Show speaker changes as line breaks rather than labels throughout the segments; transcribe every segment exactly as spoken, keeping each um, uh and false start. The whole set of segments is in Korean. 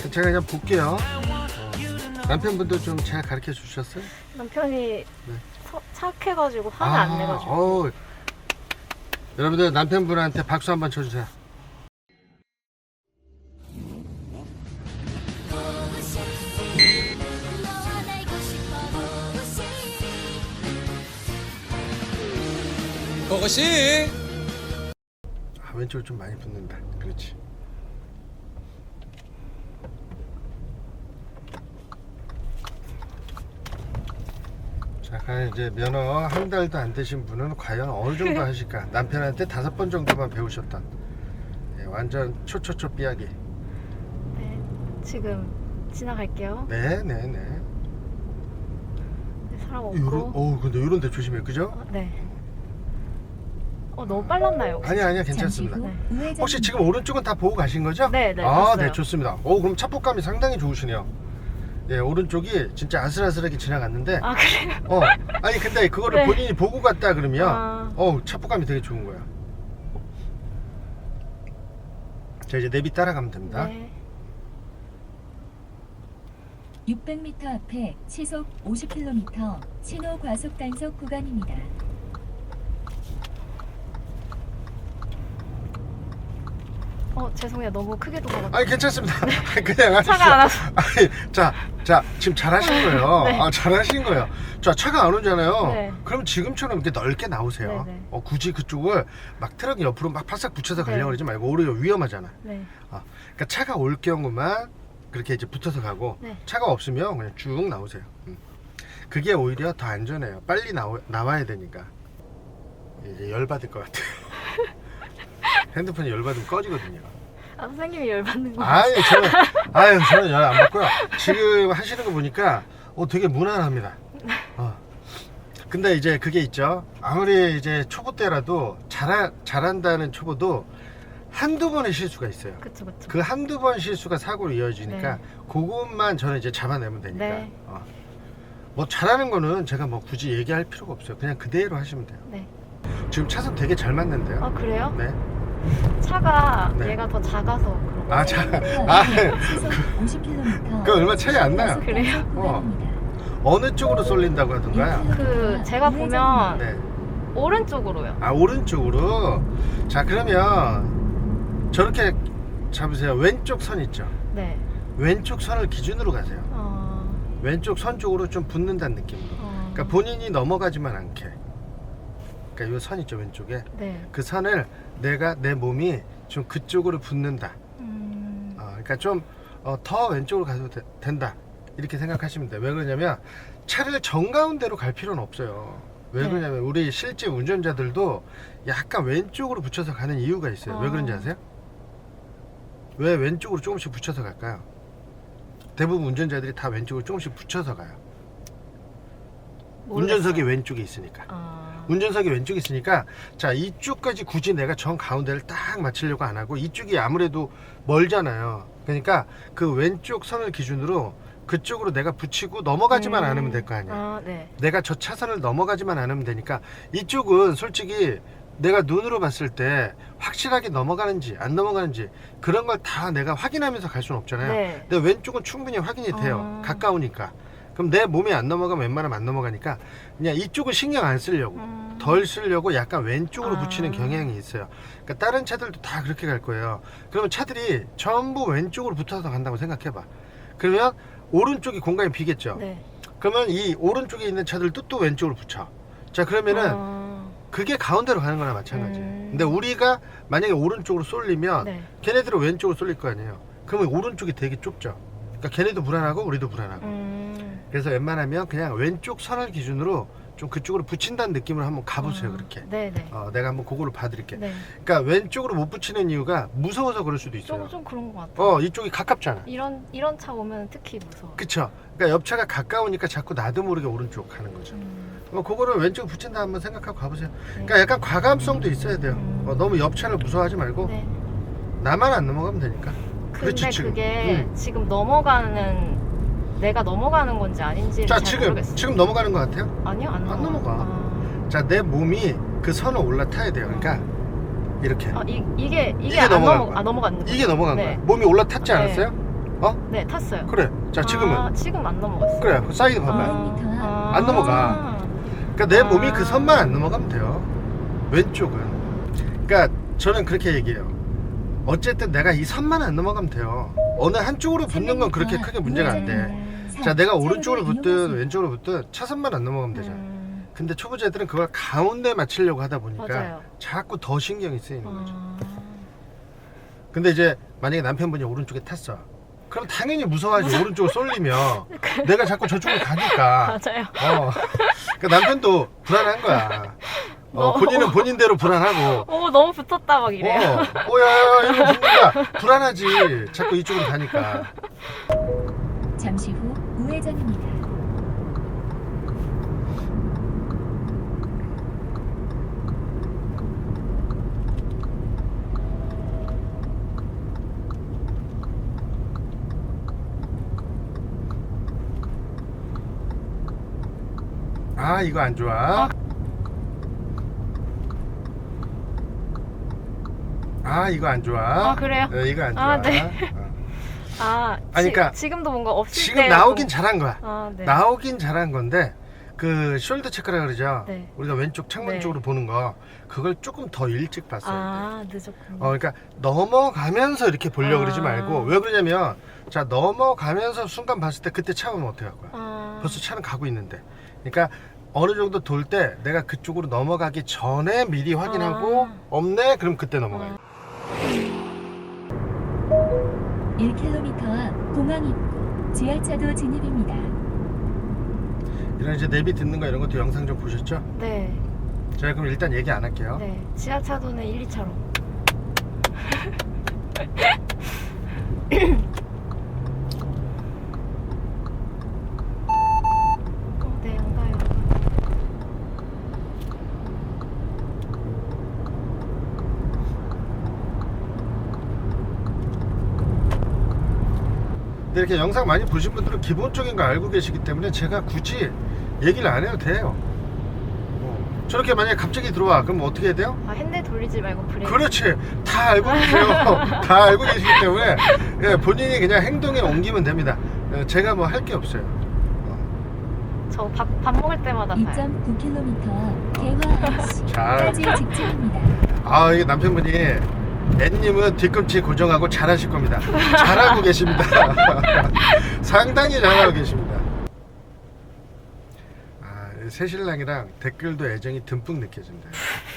제가 그냥 볼게요. 어. 남편분도 좀 잘 가르쳐 주셨어요?
남편이
네.
서- 착해가지고 화를
아,
안 내가지고.
어우. 여러분들 남편분한테 박수 한번 쳐주세요.
그것이
아, 왼쪽을 좀 많이 붙는다. 그렇지. 자, 과연 이제 면허 한 달도 안 되신 분은 과연 어느 정도 하실까? 남편한테 다섯 번 정도만 배우셨던 예, 완전 초초초 삐약이.
네, 지금 지나갈게요.
네, 네, 네.
네, 사람 없고.
요런, 어우, 근데 요런 데 조심해, 그죠?
어, 네. 어, 너무 빨랐나요? 혹시?
아니야, 아니야, 괜찮습니다.
네.
혹시 지금 오른쪽은 다 보고 가신 거죠?
네, 네,
아,
봤어요.
네, 좋습니다. 오, 그럼 차폭감이 상당히 좋으시네요. 예, 오른쪽이 진짜 아슬아슬하게 지나갔는데,
아, 그래요?
어, 아니 근데 그거를
네.
본인이 보고 갔다 그러면,
아.
어, 차폭감이 되게 좋은 거야. 자, 이제 내비 따라가면 됩니다.
네.
육백 미터 앞에 시속 오십 킬로미터 신호 과속 단속 구간입니다.
어, 죄송해요. 너무 크게 도망갔어요.
아니 괜찮습니다. 그냥 하십시오.
차가 안 와서.
아니, 자, 자, 지금 잘하신 거예요.
네.
아, 잘하신 거예요. 자, 차가 안 오잖아요.
네.
그럼 지금처럼 이렇게 넓게 나오세요.
네, 네.
어, 굳이 그쪽을 막 트럭 옆으로 막 바싹 붙여서 가려고
네.
그러지 말고 오히려 위험하잖아.
네.
어, 그러니까 차가 올 경우만 그렇게 이제 붙어서 가고
네.
차가 없으면 그냥 쭉 나오세요. 음. 그게 오히려 더 안전해요. 빨리 나오, 나와야 되니까. 이제 열받을 것 같아요. 핸드폰이 열받으면 꺼지거든요.
아, 선생님이 열받는 거.
아니 저는 아유 저는 열 안 받고요. 지금 하시는 거 보니까 어 되게 무난합니다. 어. 근데 이제 그게 있죠. 아무리 이제 초보 때라도 잘 잘한다는 초보도 한두 번의 실수가 있어요.
그쵸, 그쵸.
그 한두 번 실수가 사고로 이어지니까
네.
그것만 저는 이제 잡아내면 되니까.
네.
어. 뭐 잘하는 거는 제가 뭐 굳이 얘기할 필요가 없어요. 그냥 그대로 하시면 돼요.
네.
지금 차선 되게 잘 맞는데요.
아, 그래요?
네.
차가
네.
얘가 더 작아서 그런 거.
아, 자, 아,
시속 오십 킬로미터
그 얼마 차이 안 나요.
그래요?
어느 쪽으로 쏠린다고 하던가요?
그 제가 보면
네.
오른쪽으로요.
아, 오른쪽으로. 자, 그러면 저렇게 잡으세요. 왼쪽 선 있죠.
네.
왼쪽 선을 기준으로 가세요.
어.
왼쪽 선 쪽으로 좀 붙는다는 느낌으로.
어.
그러니까 본인이 넘어가지만 않게. 그러니까 이 선 있죠, 왼쪽에.
네.
그 선을 내가 내 몸이 좀 그쪽으로 붙는다.
음.
어, 그러니까 좀 더 왼쪽으로 가도 되- 된다. 이렇게 생각하시면 돼요. 왜 그러냐면 차를 정가운데로 갈 필요는 없어요. 왜
네.
그러냐면 우리 실제 운전자들도 약간 왼쪽으로 붙여서 가는 이유가 있어요. 왜
어.
그런지 아세요? 왜 왼쪽으로 조금씩 붙여서 갈까요? 대부분 운전자들이 다 왼쪽으로 조금씩 붙여서 가요.
모르겠어요.
운전석이 왼쪽에 있으니까.
아.
운전석이 왼쪽에 있으니까 자 이쪽까지 굳이 내가 정 가운데를 딱 맞추려고 안 하고 이쪽이 아무래도 멀잖아요. 그러니까 그 왼쪽 선을 기준으로 그쪽으로 내가 붙이고 넘어가지만
음.
않으면 될 거 아니야.
아, 네.
내가 저 차선을 넘어가지만 않으면 되니까 이쪽은 솔직히 내가 눈으로 봤을 때 확실하게 넘어가는지 안 넘어가는지 그런 걸 다 내가 확인하면서 갈 수는 없잖아요.
네.
근데 왼쪽은 충분히 확인이 돼요.
아.
가까우니까. 그럼 내 몸이 안 넘어가면 웬만하면 안 넘어가니까 그냥 이쪽은 신경 안 쓰려고
음.
덜 쓰려고 약간 왼쪽으로
아.
붙이는 경향이 있어요. 그러니까 다른 차들도 다 그렇게 갈 거예요. 그러면 차들이 전부 왼쪽으로 붙어서 간다고 생각해봐. 그러면 오른쪽이 공간이 비겠죠.
네.
그러면 이 오른쪽에 있는 차들도 또 왼쪽으로 붙여. 자 그러면은
아.
그게 가운데로 가는 거나 마찬가지예요.
음.
근데 우리가 만약에 오른쪽으로 쏠리면
네.
걔네들은 왼쪽으로 쏠릴 거 아니에요. 그러면 오른쪽이 되게 좁죠. 그러니까 걔네도 불안하고 우리도 불안하고.
음.
그래서 웬만하면 그냥 왼쪽 선을 기준으로 좀 그쪽으로 붙인다는 느낌으로 한번 가보세요.
아.
그렇게.
네, 네.
어, 내가 한번 그거를 봐드릴게.
네.
그러니까 왼쪽으로 못 붙이는 이유가 무서워서 그럴 수도 있어요.
좀, 좀 그런 것 같아요.
어, 이쪽이 가깝잖아.
이런 이런 차 오면 특히 무서워.
그쵸? 그러니까 옆차가 가까우니까 자꾸 나도 모르게 오른쪽 가는 거죠.
음.
어, 그거를 왼쪽 붙인다 한번 생각하고 가보세요.
네.
그러니까 약간 과감성도 있어야 돼요.
음.
어, 너무 옆차를 무서워하지 말고
네.
나만 안 넘어가면 되니까.
근데
그렇지, 지금.
그게
음.
지금 넘어가는 내가 넘어가는 건지 아닌지를
자,
잘
지금
모르겠어요.
지금 넘어가는 것 같아요?
아니요, 안,
안 넘어가.
아.
자, 내 몸이 그 선을 올라타야 돼요. 그러니까 이렇게.
아, 이, 이게 이게,
이게
안
넘어간
넘어
거야.
아 넘어갔는
이게 넘어간
네.
거야. 몸이 올라탔지
네.
않았어요? 어?
네, 탔어요.
그래. 자, 지금은.
아, 지금 안 넘어갔어요.
그래. 그 사이드 봐봐요.
오백 미터
아,
안 넘어가. 그러니까 내
아.
몸이 그 선만 안 넘어가면 돼요. 왼쪽은. 그러니까 저는 그렇게 얘기해요. 어쨌든 내가 이 선만 안 넘어가면 돼요. 어느 한쪽으로 붙는 건 그렇게 크게 문제가 안 돼. 자, 내가 오른쪽으로 붙든 왼쪽으로 붙든 차선만 안 넘어가면 되잖아.
음,
근데 초보자들은 그걸 가운데 맞추려고 하다 보니까
맞아요.
자꾸 더 신경이 쓰이는 거죠.
아,
근데 이제 만약에 남편분이 오른쪽에 탔어. 그럼 당연히 무서워하지. 오른쪽으로 쏠리면 내가 자꾸 저쪽으로 가니까.
맞아요.
어. 그러니까 남편도 불안한 거야. 어,
너무-
본인은 본인대로 불안하고.
오, 너무 붙었다 막 이래요.
어, 어, 야, 야, 이거 붙는다. 불안하지. 자꾸 이쪽으로 가니까.
잠시 후 우회전입니다.
아, 이거 안 좋아. 아, 이거 안 좋아.
아, 그래요?
어, 이거 안 좋아.
아, 네.
어.
아,
아니,
지,
그러니까
지금도 뭔가 없을
지금
때
나오긴 잘한 거야.
아, 네.
나오긴 잘한 건데 그 숄더 체크라 그러죠.
네.
우리가 왼쪽 창문
네.
쪽으로 보는 거 그걸 조금 더 일찍 봤어야 돼.
아, 늦었군요.
어, 그러니까 넘어가면서 이렇게 보려고
아.
그러지 말고 왜 그러냐면 자 넘어가면서 순간 봤을 때 그때 차면 어떻게 할 거야?
아,
벌써 차는 가고 있는데. 그러니까 어느 정도 돌 때 내가 그쪽으로 넘어가기 전에 미리 확인하고
아.
없네? 그럼 그때 넘어가요.
아.
일 킬로미터 앞 공항 입구 지하차도 진입입니다.
이런 이제 내비 듣는 거 이런 것도 영상 좀 보셨죠?
네.
제가 그럼 일단 얘기 안 할게요.
네. 지하차도는 일, 이 차로. 어, 네, 안 가요.
근데 이렇게 영상 많이 보신 분들은 기본적인 거 알고 계시기 때문에 제가 굳이 얘기를 안 해도 돼요. 어, 저렇게 만약에 갑자기 들어와 그럼 어떻게 해야 돼요?
아, 핸들 돌리지 말고 브레이크.
그렇지, 다 알고 계세요. 다 알고 계시기 때문에 예, 본인이 그냥 행동에 옮기면 됩니다. 예, 제가 뭐 할 게 없어요.
저 밥, 밥 먹을 때마다
이
봐요.
점 구 킬로미터 개화
자,
씨까지 직진입니다.
아, 이게 남편분이 앤님은 뒤꿈치 고정하고 잘하실 겁니다. 잘하고 계십니다. 상당히 잘하고 계십니다. 아, 새신랑이랑 댓글도 애정이 듬뿍 느껴진다.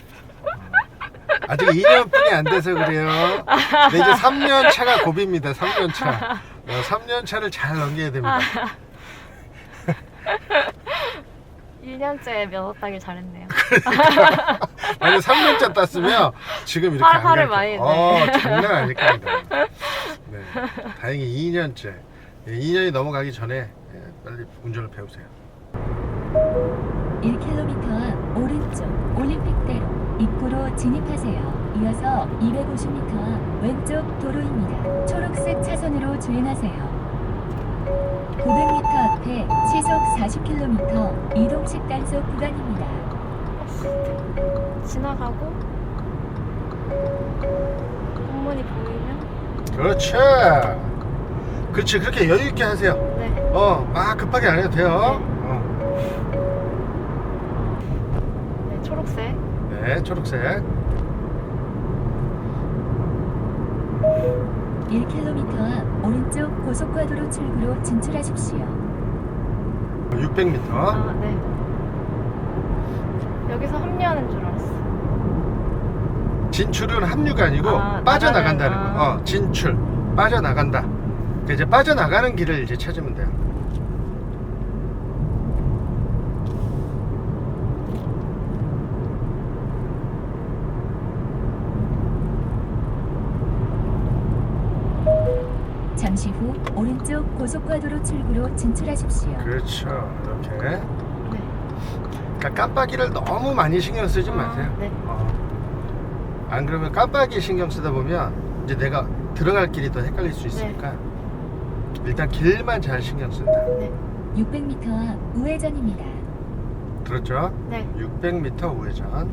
아직 이 년뿐이 안 돼서 그래요. 근데 이제 삼 년 차가 고비입니다. 삼 년 차. 어, 삼 년 차를 잘 넘겨야 됩니다.
일 년째 면허 따길 잘했네요.
만약 삼 년차 땄으면 지금 이렇게
화-
안
화를
갈
많이
거예요.
내.
어, 장난 아닐 겁니다. 네. 다행히 이 년째. 이 년이 넘어가기 전에 예, 빨리 운전을 배우세요.
일 킬로미터 앞 오른쪽 올림픽대로 입구로 진입하세요. 이어서 이백오십 미터 앞 왼쪽 도로입니다. 초록색 차선으로 주행하세요. 구백 미터 앞에 시속 사십 킬로미터 이동식 단속 구간입니다.
지나가고 공문이 보이면
그렇지. 그렇지. 그렇게 여유 있게 하세요.
네.
어, 막 급하게 안 해도 돼요. 어.
네, 초록색.
네, 초록색.
일 킬로미터 앞 오른쪽 고속화도로 출구로 진출하십시오.
육백 미터.
아, 네. 여기서 합류하는 줄 알았어.
진출은 합류가 아니고
아,
빠져나간다는
나가는,
거.
아.
어, 진출. 빠져나간다. 그러니까 이제 빠져나가는 길을 이제 찾으면 돼요.
잠시 후 오른쪽 고속화도로 출구로 진출하십시오.
그렇죠. 이렇게.
네.
그러니까 깜빡이를 너무 많이 신경 쓰지
아,
마세요.
네.
어. 안 그러면 깜빡이 신경 쓰다 보면 이제 내가 들어갈 길이 더 헷갈릴 수 있으니까 일단 길만 잘 신경 쓴다.
네.
육백 미터 앞 우회전입니다.
들었죠?
네.
육백 미터 우회전.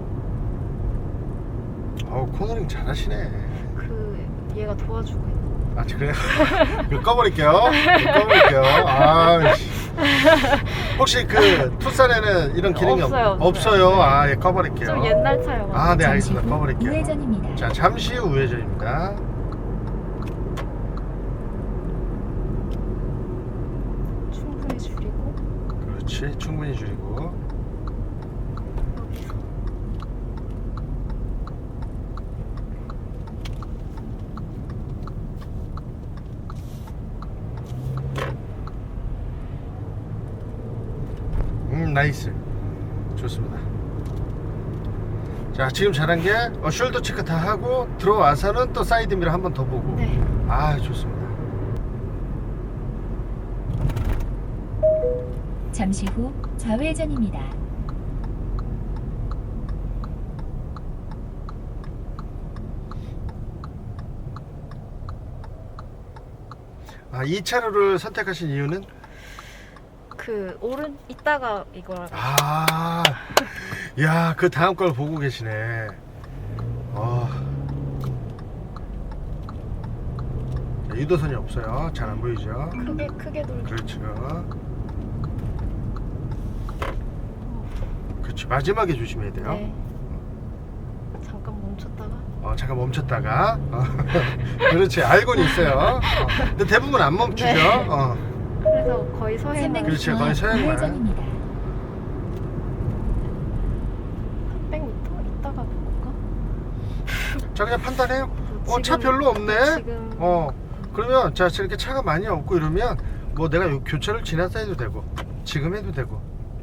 어우, 코너링 잘하시네.
그 얘가 도와주고 있는.
아 그래요? 이거 꺼버릴게요. 이거 꺼버릴게요. 아, 씨. 혹시 그 투싼에는 이런 기능이
없어요,
없,
없어요.
없어요? 아, 예, 꺼버릴게요.
좀 옛날 차요.
아, 네,
잠시
알겠습니다.
후
꺼버릴게요.
우회전입니다.
자, 잠시 후 우회전입니다.
충분히 줄이고
그렇지, 충분히 줄이고.
여기서
음, 나이스. 좋습니다. 자, 지금 잘한 게 어, 숄더 체크 다 하고 들어와서는 또 사이드 미러 한 번 더 보고.
네.
아, 좋습니다.
잠시 후 좌회전입니다.
아, 이 차로를 선택하신 이유는?
그 오른 이따가 이걸
아, 야, 그 다음 걸 보고 계시네. 어. 자, 유도선이 없어요. 잘 안 보이죠?
크게 크게 돌죠.
그렇죠. 그렇죠. 마지막에 조심해야 돼요.
네. 잠깐 멈췄다가
어, 잠깐 멈췄다가. 어. 그렇지. 알고는 있어요. 어. 근데 대부분 안 멈추죠.
네.
어.
그래서 거의 서해만
삼백
그렇지,
미터
거의 서양만.
우회전입니다.
백 미터 이따가 볼까?
자, 그냥 판단해요. 어, 차
지금-
별로 없네.
지금
어, 그러면 자, 이렇게 차가 많이 없고 이러면 뭐 내가 요 교차를 지나서 해도 되고 지금 해도 되고.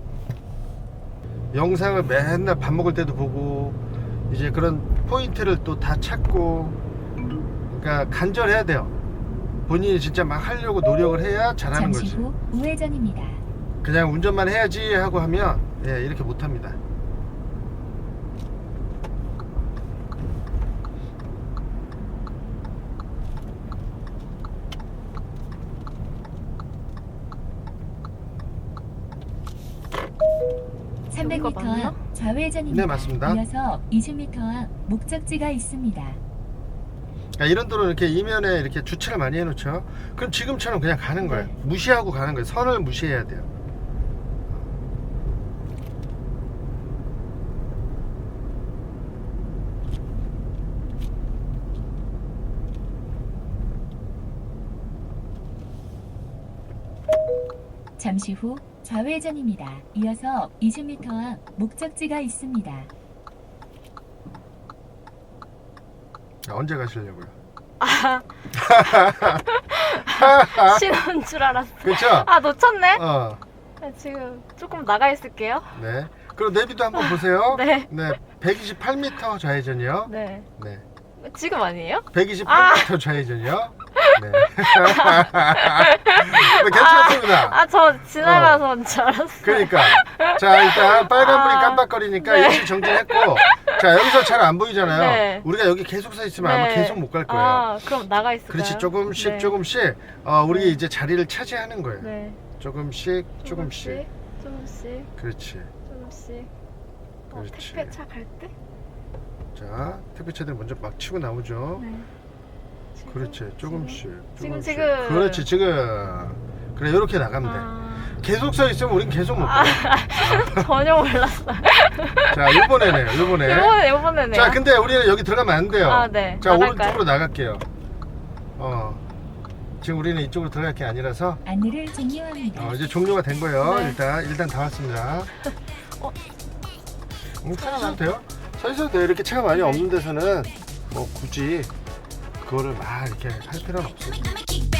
영상을 맨날 밥 먹을 때도 보고 이제 그런 포인트를 또 다 찾고, 그러니까 간절해야 돼요. 본인이 진짜 막 하려고 노력을 해야 잘하는
잠시
거지.
후 우회전입니다.
그냥 운전만 해야지 하고 하면 예, 이렇게 못합니다.
삼백 미터
여기가 맞나?
앞 좌회전입니다.
네, 맞습니다.
이어서 이십 미터 앞 목적지가 있습니다.
그러니까 이런 도로 이렇게 이면에 이렇게 주차를 많이 해놓죠. 그럼 지금처럼 그냥 가는 거예요.
네.
무시하고 가는 거예요. 선을 무시해야 돼요.
잠시 후 좌회전입니다. 이어서 이십 미터 앞 목적지가 있습니다.
자, 언제 가시려고요?
신호인 줄 알았어.
그렇죠?
아 놓쳤네.
어,
네, 지금 조금 나가 있을게요.
네. 그리고 내비도 한번 보세요.
네.
네, 백이십팔 미터 좌회전이요.
네.
네,
지금 아니에요?
백이십팔 미터 좌회전이요. 네. 네, 괜찮습니다.
아 저 지나가서 줄 알았어요.
그러니까 자, 일단 빨간불이
아,
깜빡거리니까
네.
일시 정지했고, 자, 여기서 잘 안 보이잖아요.
네.
우리가 여기 계속 서 있으면 아마
네.
계속 못 갈 거예요.
아 그럼 나가 있을까요?
그렇지, 조금씩
네.
조금씩 어, 우리
네.
이제 자리를 차지하는 거예요.
네.
조금씩 조금씩.
조금씩
그렇지.
조금씩. 어,
그렇지.
택배 차 갈 때?
자, 택배차들 먼저 막 치고 나오죠.
네. 지금,
그렇지, 조금씩.
지금,
조금씩.
지금.
그렇지, 지금. 그래, 이렇게 나가면 돼.
아,
계속 서 있으면 우린 계속 못 가.
전혀 몰랐어요.
자, 이번에네요, 이번에.
이번에 이번에네요.
자, 근데 우리는 여기 들어가면 안 돼요.
아, 네.
자,
나갈까요?
오른쪽으로 나갈게요. 어. 지금 우리는 이쪽으로 들어갈 게 아니라서
안내를 종료합니다.
어, 이제 종료가 된 거예요.
네.
일단 일단 다 왔습니다.
어?
음, 서 있어도 돼요? 서 있어도 돼요. 이렇게 차가 많이 없는 데서는 뭐 굳이 그거를 막 이렇게 할 필요는 없어요.